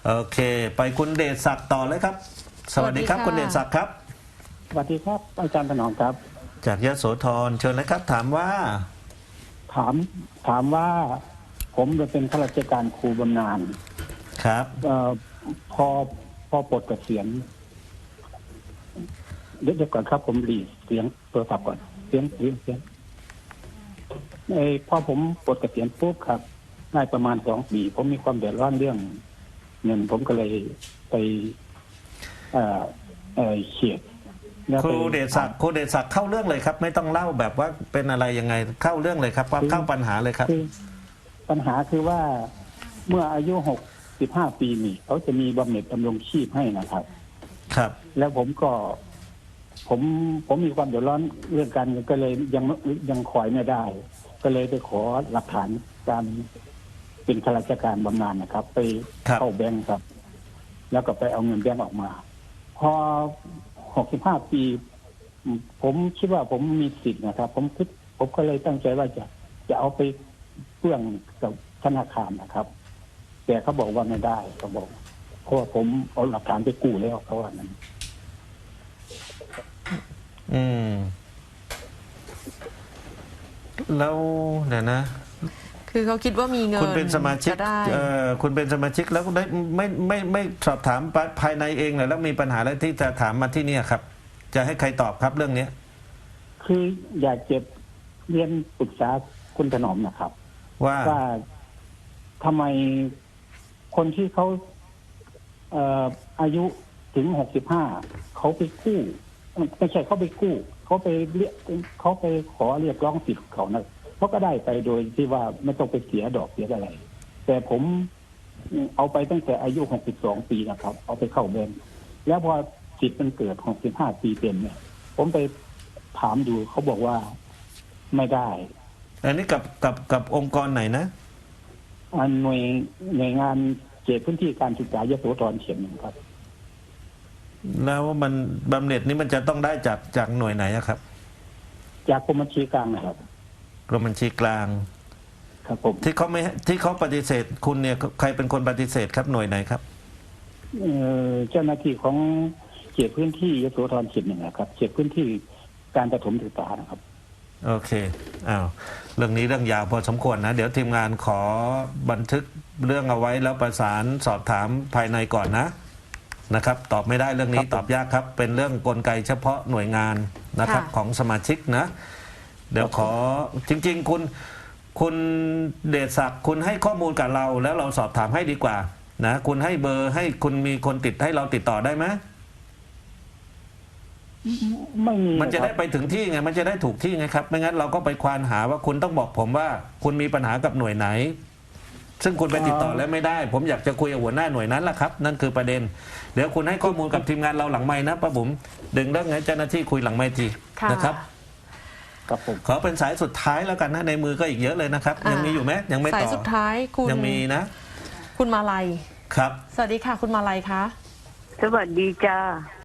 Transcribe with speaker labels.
Speaker 1: โอเค ไปคุณเดชศักดิ์ต่อเลยครับ สวัสดีครับ คุณเดชศักดิ์ครับ
Speaker 2: สวัสดีครับอาจารย์ถนอมครับ
Speaker 1: จากยโสธรเชิญเลยครับ ถามว่า
Speaker 2: ถามถามว่าผมจะเป็นข้าราชการครูบำนาญ
Speaker 1: ครับ
Speaker 2: พอปลดเกษียณเดี๋ยวก่อนครับ ผมหลีเสียงโทรศัพท์ก่อนเสียงพอผมปลดเกษียณปุ๊บครับได้ประมาณ2 ปีผมมีความเดือดร้อนเรื่องเงินผมก็เลยไปเขียดแล้ว
Speaker 1: ครูเดชศักดิ์เข้าเรื่องเลยครับ ไม่ต้องเล่าแบบว่าเป็นอะไรยังไงเข้าเรื่องเลยครับว่าเข้าปัญหาเลยครับ
Speaker 2: คือปัญหาคือว่าเมื่ออายุ65 ปีนี่เขาจะมีบำเหน็จดำรงชีพให้นะครับ
Speaker 1: ครับ
Speaker 2: แล้วผมมีความเดือดร้อนเรื่องการเงินก็เลยยังขอยไม่ได้ ก็เลยไปขอหลักฐานการเป็นข้าราชการบำนาญนะครับ ไปเข้าแบงก์ครับ แล้วก็ไปเอาเงินแบงก์ออกมา พอ65 ปี ผมคิดว่าผมมีสิทธิ์นะครับ ผมก็เลยตั้งใจว่าจะเอาไปเพื่องกับธนาคารนะครับ แต่เขาบอกว่าไม่ได้เขาบอกเพราะว่าผมเอาหลักฐานไปกู้แล้วเขาว่านั้น
Speaker 1: แล้วเดี๋ยวนะ
Speaker 3: คือเขาคิดว่ามีเงิน
Speaker 1: คุณเป็นสมาชิก
Speaker 3: จะได้
Speaker 1: คุณเป็นสมาชิกแล้วได้ไม่สอบถามภายในเองเลยแล้วมีปัญหาอะไรที่จะถามมาที่นี่ครับ จะให้ใครตอบครับเรื่องนี้
Speaker 2: คืออยากจะเรียนปรึกษาคุณถนอมนะครับ
Speaker 1: ว่า
Speaker 2: ทำไมคนที่เขาอายุถึง65เขาไปกู้ไม่ใช่เขาไปกู้เขาไปขอเรียกร้องสิทธิ์เขานะเขาก็ได้ไปโดยที่ว่าไม่ต้องไปเสียดอกเสียอะไร แต่ผมเอาไปตั้งแต่อายุ62 ปีนะครับ เอาไปเข้าแบงก์แล้วพอสิทธิ์มันเกิด65 ปีเต็มเนี่ย ผมไปถามดูเขาบอกว่าไม่ได้
Speaker 1: อันนี้กับองค์กรไหนนะ
Speaker 2: หน่วยงานเขตพื้นที่การศึกษายโสธรเขียนครับ
Speaker 1: แล้วมันบำเหน็จนี้มันจะต้องได้จากหน่วยไหนอะครับ
Speaker 2: จากกรมบัญชีกลางนะครับ
Speaker 1: กรมบัญชีกลาง
Speaker 2: ครับผม
Speaker 1: ที่เขาปฏิเสธคุณเนี่ยใครเป็นคนปฏิเสธครับหน่วยไหนครับ
Speaker 2: เจ้าหน้าที่ของเขตพื้นที่ยโสธรเขต 1นะครับเขตพื้นที่การประถมศึกษานะครับ
Speaker 1: โอเคอ้าวเรื่องนี้เรื่องยาวพอสมควรนะ เดี๋ยวทีมงานขอบันทึกเรื่องเอาไว้แล้วประสานสอบถามภายในก่อนนะครับ ตอบไม่ได้เรื่องนี้
Speaker 2: ครับ
Speaker 1: ตอบยากครับ เป็นเรื่องกลไกเฉพาะหน่วยงานนะครับ
Speaker 3: ค่ะ
Speaker 1: ของสมาชิกนะ เดี๋ยวขอจริงๆคุณเดชศักดิ์คุณให้ข้อมูลกับเราแล้วเราสอบถามให้ดีกว่านะคุณให้เบอร์ให้คุณมีคนติดให้เราติดต่อได้ไหม
Speaker 2: ไม่มี
Speaker 1: มันจะได้
Speaker 2: ครับ
Speaker 1: ไปถึงที่ไงมันจะได้ถูกที่ไงครับไม่งั้นเราก็ไปควานหาว่าคุณต้องบอกผมว่าคุณมีปัญหากับหน่วยไหน ซึ่งคุณไปติดต่อแล้วไม่ได้ ผมอยากจะคุยกับหัวหน้าหน่วยนั้นแหละครับนั่นคือประเด็น เดี๋ยวคุณให้ข้อมูลกับทีมงานเราหลังไม้นะป้าบุ๋มดึงเรื่องไงเจ้าหน้าที่คุยหลังไม้ที
Speaker 3: ค่ะ
Speaker 1: นะครับ
Speaker 2: ครับผม
Speaker 1: ขอเป็นสายสุดท้ายแล้วกันนะในมือก็อีกเยอะเลยนะครับ ยังมีอยู่ไหมยังไม่
Speaker 3: สาย
Speaker 1: ต่อ
Speaker 3: สุดท้ายคุณ
Speaker 1: ยังมีนะ
Speaker 3: คุณมาลัย
Speaker 1: ครับ
Speaker 3: สวัสดีค่ะ คุณมาลัยคะ
Speaker 4: สวัสดีจ้า